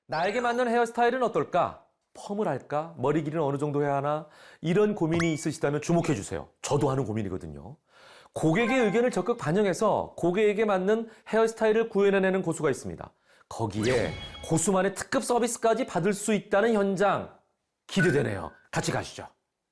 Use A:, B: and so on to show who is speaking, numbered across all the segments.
A: 나에게 맞는 헤어스타일은 어떨까? 펌을 할까? 머리 길이는 어느 정도 해야 하나? 이런 고민이 있으시다면 주목해 주세요. 저도 하는 고민이거든요. 고객의 의견을 적극 반영해서 고객에게 맞는 헤어스타일을 구현해내는 고수가 있습니다. 거기에 고수만의 특급 서비스까지 받을 수 있다는 현장 기대되네요. 같이 가시죠.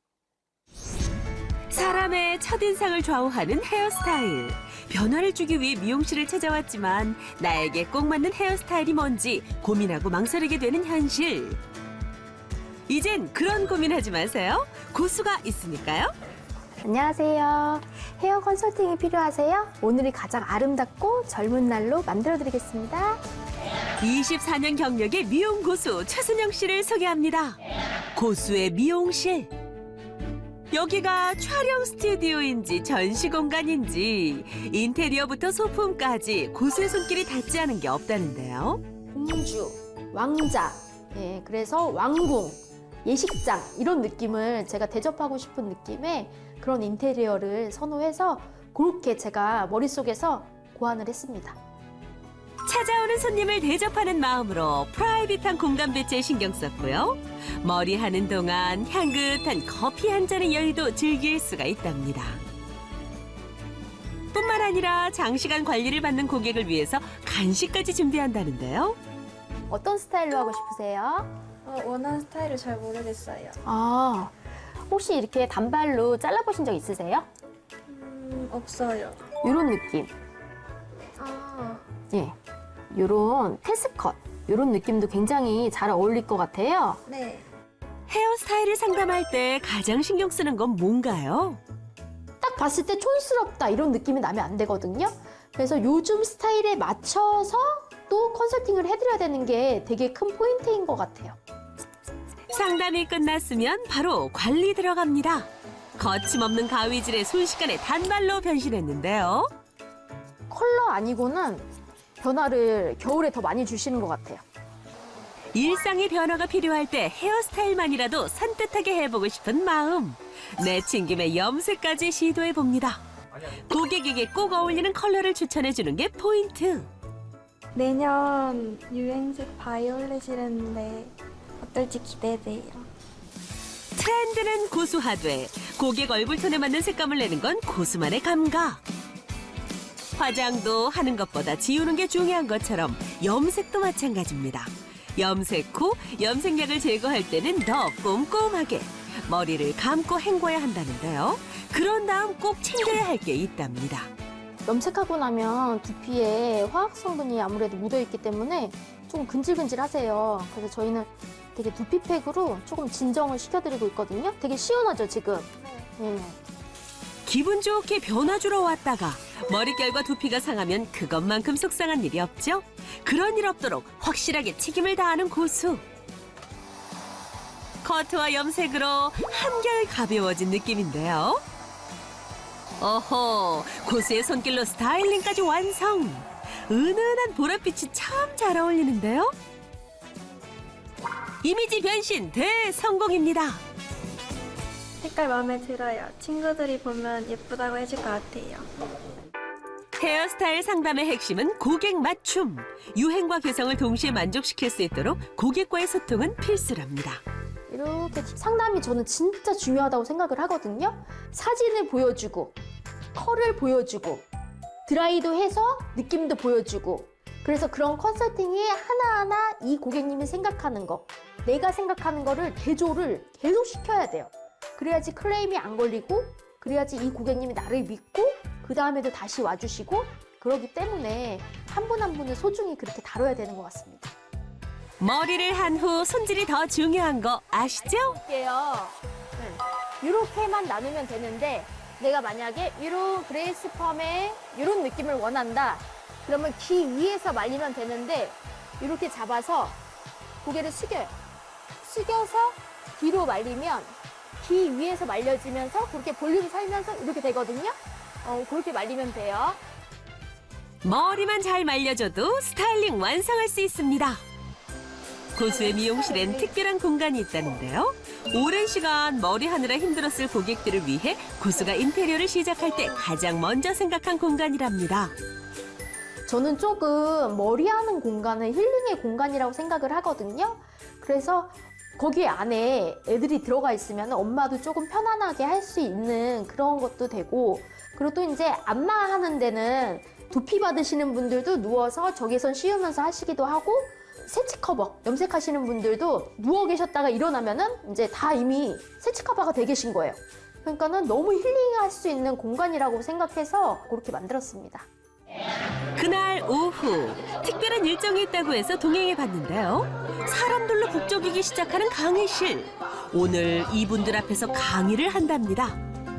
B: 사람의 첫인상을 좌우하는 헤어스타일. 변화를 주기 위해 미용실을 찾아왔지만 나에게 꼭 맞는 헤어스타일이 뭔지 고민하고 망설이게 되는 현실. 이젠 그런 고민하지 마세요. 고수가 있으니까요.
C: 안녕하세요. 헤어 컨설팅이 필요하세요? 오늘이 가장 아름답고 젊은 날로 만들어드리겠습니다.
B: 24년 경력의 미용 고수 최순영 씨를 소개합니다. 고수의 미용실. 여기가 촬영 스튜디오인지 전시 공간인지 인테리어부터 소품까지 고수의 손길이 닿지 않은 게 없다는데요.
C: 공주, 왕자, 그래서 왕궁, 예식장 이런 느낌을 제가 대접하고 싶은 느낌의 그런 인테리어를 선호해서 그렇게 제가 머릿속에서 고안을 했습니다.
B: 찾아오는 손님을 대접하는 마음으로 프라이빗한 공간 배치에 신경 썼고요. 머리하는 동안 향긋한 커피 한 잔의 여유도 즐길 수가 있답니다. 뿐만 아니라 장시간 관리를 받는 고객을 위해서 간식까지 준비한다는데요.
C: 어떤 스타일로 하고 싶으세요?
D: 원하는 스타일을 잘 모르겠어요.
C: 아, 혹시 이렇게 단발로 잘라보신 적 있으세요?
D: 없어요.
C: 이런 느낌.
D: 아,
C: 예, 이런 테스컷, 이런 느낌도 굉장히 잘 어울릴 것 같아요.
D: 네.
B: 헤어스타일을 상담할 때 가장 신경 쓰는 건 뭔가요?
C: 딱 봤을 때 촌스럽다 이런 느낌이 나면 안 되거든요. 그래서 요즘 스타일에 맞춰서 또 컨설팅을 해드려야 되는 게 되게 큰 포인트인 것 같아요.
B: 상담이 끝났으면 바로 관리 들어갑니다. 거침없는 가위질에 순식간에 단발로 변신했는데요.
C: 컬러 아니고는 변화를 겨울에 더 많이 주시는 것 같아요.
B: 일상의 변화가 필요할 때 헤어스타일만이라도 산뜻하게 해보고 싶은 마음. 내친 김에 염색까지 시도해봅니다. 고객에게 꼭 어울리는 컬러를 추천해주는 게 포인트.
D: 내년 유행색 바이올렛이랬는데 어떨지 기대돼요.
B: 트렌드는 고수하되 고객 얼굴톤에 맞는 색감을 내는 건 고수만의 감각. 화장도 하는 것보다 지우는 게 중요한 것처럼 염색도 마찬가지입니다. 염색 후 염색약을 제거할 때는 더 꼼꼼하게 머리를 감고 헹궈야 한다는데요. 그런 다음 꼭 챙겨야 할 게 있답니다.
C: 염색하고 나면 두피에 화학 성분이 아무래도 묻어있기 때문에 조금 근질근질하세요. 그래서 저희는 되게 두피팩으로 조금 진정을 시켜드리고 있거든요. 되게 시원하죠, 지금? 네.
B: 기분 좋게 변화 주러 왔다가 머릿결과 두피가 상하면 그것만큼 속상한 일이 없죠. 그런 일 없도록 확실하게 책임을 다하는 고수. 커트와 염색으로 한결 가벼워진 느낌인데요. 어허, 고수의 손길로 스타일링까지 완성. 은은한 보랏빛이 참 잘 어울리는데요. 이미지 변신 대성공입니다.
D: 색깔 마음에 들어요. 친구들이 보면 예쁘다고 해줄 것 같아요.
B: 헤어스타일 상담의 핵심은 고객 맞춤. 유행과 개성을 동시에 만족시킬 수 있도록 고객과의 소통은 필수랍니다.
C: 이렇게 상담이 저는 진짜 중요하다고 생각을 하거든요. 사진을 보여주고, 컬을 보여주고, 드라이도 해서 느낌도 보여주고. 그래서 그런 컨설팅이 하나하나 이 고객님이 생각하는 거, 내가 생각하는 거를 대조를 계속 시켜야 돼요. 그래야지 클레임이 안 걸리고, 그래야지 이 고객님이 나를 믿고, 그 다음에도 다시 와주시고, 그러기 때문에 한 분 한 분을 소중히 그렇게 다뤄야 되는 것 같습니다.
B: 머리를 한 후 손질이 더 중요한 거 아시죠?
C: 볼게요. 이렇게만 나누면 되는데 내가 만약에 이런 그레이스 펌에 이런 느낌을 원한다. 그러면 귀 위에서 말리면 되는데 이렇게 잡아서 고개를 숙여요. 숙여서 뒤로 말리면 귀 위에서 말려지면서 그렇게 볼륨 살면서 이렇게 되거든요. 그렇게 말리면 돼요.
B: 머리만 잘 말려줘도 스타일링 완성할 수 있습니다. 고수의 미용실엔 특별한 공간이 있다는데요. 오랜 시간 머리 하느라 힘들었을 고객들을 위해 고수가 인테리어를 시작할 때 가장 먼저 생각한 공간이랍니다.
C: 저는 조금 머리하는 공간은 힐링의 공간이라고 생각을 하거든요. 그래서 거기 안에 애들이 들어가 있으면 엄마도 조금 편안하게 할 수 있는 그런 것도 되고, 그리고 또 이제 안마하는 데는 두피 받으시는 분들도 누워서 저기선 씌우면서 하시기도 하고, 세치 커버 염색하시는 분들도 누워 계셨다가 일어나면은 이제 다 이미 세치 커버가 돼 계신 거예요. 그러니까는 너무 힐링할 수 있는 공간이라고 생각해서 그렇게 만들었습니다.
B: 그날 오후 특별한 일정이 있다고 해서 동행해 봤는데요. 사람들로 북적이기 시작하는 강의실. 오늘 이분들 앞에서 강의를 한답니다.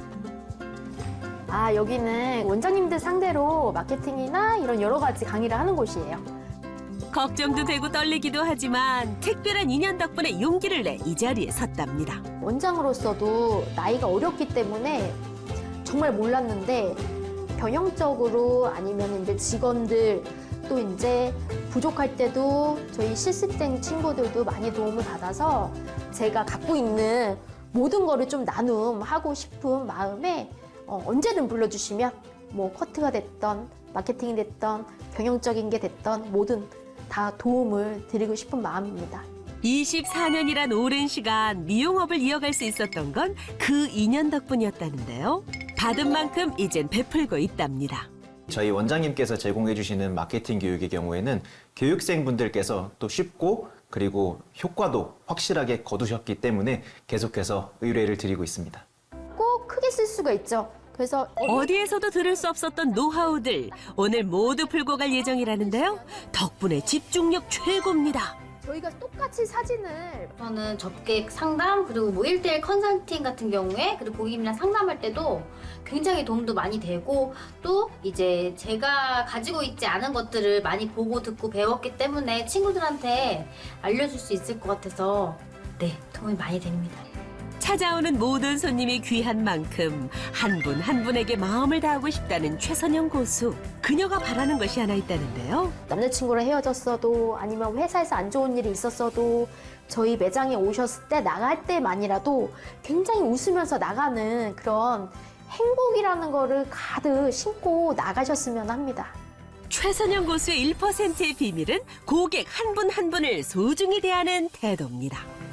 C: 아, 여기는 원장님들 상대로 마케팅이나 이런 여러 가지 강의를 하는 곳이에요.
B: 걱정도 되고 떨리기도 하지만 특별한 인연 덕분에 용기를 내 이 자리에 섰답니다.
C: 원장으로서도 나이가 어렸기 때문에 정말 몰랐는데, 경영적으로 아니면 이제 직원들 또 이제 부족할 때도 저희 실습생 친구들도 많이 도움을 받아서 제가 갖고 있는 모든 거를 좀 나눔하고 싶은 마음에 언제든 불러주시면 뭐 커트가 됐던 마케팅이 됐던 경영적인 게 됐던 뭐든 다 도움을 드리고 싶은 마음입니다.
B: 24년이란 오랜 시간 미용업을 이어갈 수 있었던 건 그 인연 덕분이었다는데요. 받은 만큼 이젠 베풀고 있답니다.
E: 저희 원장님께서 제공해 주시는 마케팅 교육의 경우에는 교육생분들께서 또 쉽고 그리고 효과도 확실하게 거두셨기 때문에 계속해서 의뢰를 드리고 있습니다.
C: 꼭 크게 쓸 수가 있죠. 그래서
B: 어디에서도 들을 수 없었던 노하우들 오늘 모두 풀고 갈 예정이라는데요. 덕분에 집중력 최고입니다.
C: 저희가 똑같이 사진을
F: 저는 접객 상담 그리고 뭐 1대1 컨설팅 같은 경우에 그리고 고객님이랑 상담할 때도 굉장히 도움도 많이 되고 또 이제 제가 가지고 있지 않은 것들을 많이 보고 듣고 배웠기 때문에 친구들한테 알려줄 수 있을 것 같아서 네, 도움이 많이 됩니다.
B: 찾아오는 모든 손님이 귀한 만큼 한 분 한 분에게 마음을 다하고 싶다는 최선영 고수. 그녀가 바라는 것이 하나 있다는데요.
C: 남자친구랑 헤어졌어도 아니면 회사에서 안 좋은 일이 있었어도 저희 매장에 오셨을 때 나갈 때만이라도 굉장히 웃으면서 나가는 그런 행복이라는 거를 가득 심고 나가셨으면 합니다.
B: 최선영 고수의 1%의 비밀은 고객 한 분 한 분을 소중히 대하는 태도입니다.